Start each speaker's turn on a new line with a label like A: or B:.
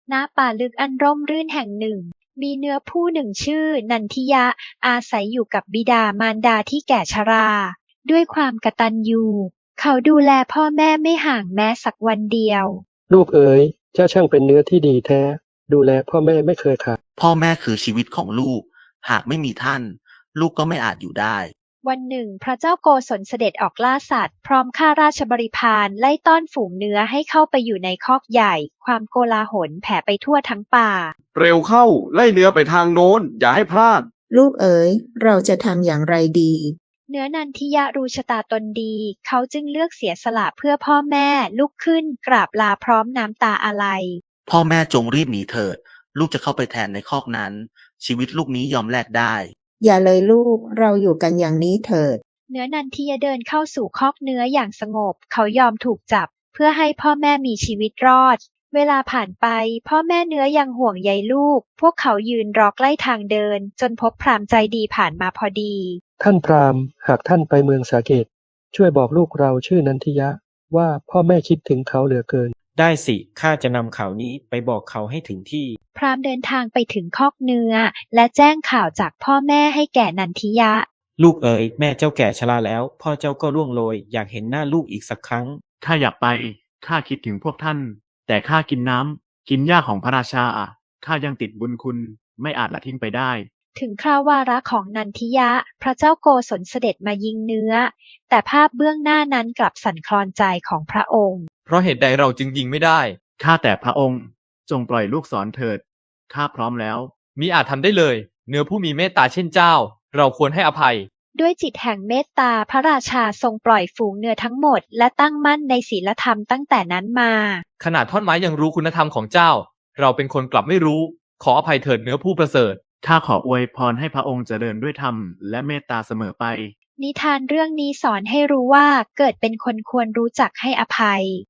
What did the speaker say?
A: ณป่าลึกอันร่มรื่นแห่งหนึ่งมีเนื้อผู้หนึ่งชื่อนันทิยะอาศัยอยู่กับบิดามารดาที่แก่ชราด้วยความกตัญญูเขาดูแลพ่อแม่ไม่ห่างแม้สักวันเดียว
B: ลูกเอ๋ยเจ้าช่างเป็นเนื้อที่ดีแท้ดูแลพ่อแม่ไม่เคยขาด
C: พ่อแม่คือชีวิตของลูกหากไม่มีท่านลูกก็ไม่อาจอยู่ได้
A: วันหนึ่งพระเจ้าโกศลเสด็จออกล่าสัตว์พร้อมข้าราชบริพารไล่ต้อนฝูงเนื้อให้เข้าไปอยู่ในคอกใหญ่ความโกลาหลแผ่ไปทั่วทั้งป่า
D: เร็วเข้าไล่เนื้อไปทางโน้นอย่าให้พลาด
E: ลูกเอ๋ยเราจะทำอย่างไรดี
A: เนื้อนันทิยะรู้ชะตาตนดีเขาจึงเลือกเสียสละเพื่อพ่อแม่ลุกขึ้นกราบลาพร้อมน้ำตาอาลัย
C: พ่อแม่จงรีบหนีเถิดลูกจะเข้าไปแทนในคอกนั้นชีวิตลูกนี้ยอมแลกได้
E: อย่าเลยลูกเราอยู่กันอย่างนี้เถิด
A: เนื้อนันทิยะเดินเข้าสู่คอกเนื้ออย่างสงบเขายอมถูกจับเพื่อให้พ่อแม่มีชีวิตรอดเวลาผ่านไปพ่อแม่เนื้อยังห่วงใยลูกพวกเขายืนรอใกล้ทางเดินจนพบพราหมณ์ใจดีผ่านมาพอดี
B: ท่านพราหมณ์หากท่านไปเมืองสาเกตช่วยบอกลูกเราชื่อนันทิยะว่าพ่อแม่คิดถึงเขาเหลือเกิน
F: ได้สิข้าจะนำข่าวนี้ไปบอกเขาให้ถึงที่
A: พราหมณ์เดินทางไปถึงคอกเนื้อและแจ้งข่าวจากพ่อแม่ให้แก่นันทิยะ
F: ลูกเอ๋ยแม่เจ้าแก่ชราแล้วพ่อเจ้าก็ร่วงโรยอยากเห็นหน้าลูกอีกสักครั้ง
G: ข้าอยากไปข้าคิดถึงพวกท่านแต่ข้ากินน้ำกินหญ้าของพระราชาข้ายังติดบุญคุณไม่อาจละทิ้งไปได้
A: ถึงคราววาระของนันทิยะพระเจ้าโกศลเสด็จมายิงเนื้อแต่ภาพเบื้องหน้านั้นกลับสั่นคลอนใจของพระองค์
H: เพราะเหตุใดเราจึงยิงไม่ได้
G: ข้าแต่พระองค์จงปล่อยลูกศรเถิดข้าพร้อมแล้ว
H: มิอาจทำได้เลยเนื้อผู้มีเมตตาเช่นเจ้าเราควรให้อภัย
A: ด้วยจิตแห่งเมตตาพระราชาทรงปล่อยฝูงเนื้อทั้งหมดและตั้งมั่นในศีลธรรมตั้งแต่นั้นมา
H: ขนาดท่อนไม้ยังรู้คุณธรรมของเจ้าเราเป็นคนกลับไม่รู้ขออภัยเถิดเนื้อผู้ประเสริฐ
G: ข้าขออวยพรให้พระองค์เจริญด้วยธรรมและเมตตาเสมอไป
A: นิทานเรื่องนี้สอนให้รู้ว่าเกิดเป็นคนควรรู้จักให้อภัย